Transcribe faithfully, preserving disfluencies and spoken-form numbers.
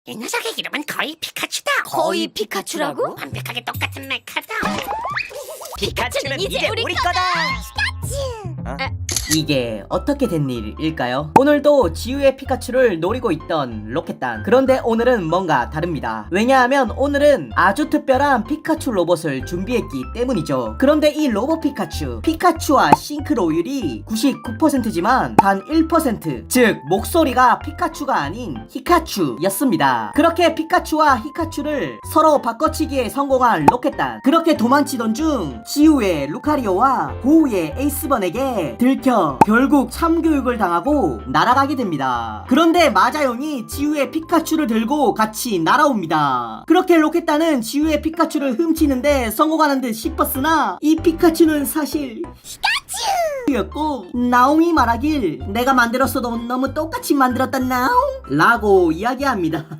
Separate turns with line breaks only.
이 녀석의 이름은 거의 피카츄다.
거의 피카츄라고?
완벽하게 똑같은 메카다.
피카츄는 이제 우리 거다.
이게 어떻게 된 일일까요? 오늘도 지우의 피카츄를 노리고 있던 로켓단. 그런데 오늘은 뭔가 다릅니다. 왜냐하면 오늘은 아주 특별한 피카츄 로봇을 준비했기 때문이죠. 그런데 이 로봇 피카츄, 피카츄와 싱크로율이 구십구 퍼센트지만 단 일 퍼센트, 즉 목소리가 피카츄가 아닌 히카츄였습니다. 그렇게 피카츄와 히카츄를 서로 바꿔치기에 성공한 로켓단. 그렇게 도망치던 중 지우의 루카리오와 고우의 에이스번에게 들켜 결국 참교육을 당하고 날아가게 됩니다. 그런데 마자용이 지우의 피카츄를 들고 같이 날아옵니다. 그렇게 로켓단은 지우의 피카츄를 훔치는데 성공하는 듯 싶었으나 이 피카츄는 사실 였고 나옹이 말하길 내가 만들었어도 너무 똑같이 만들었다 나옹 라고 이야기합니다.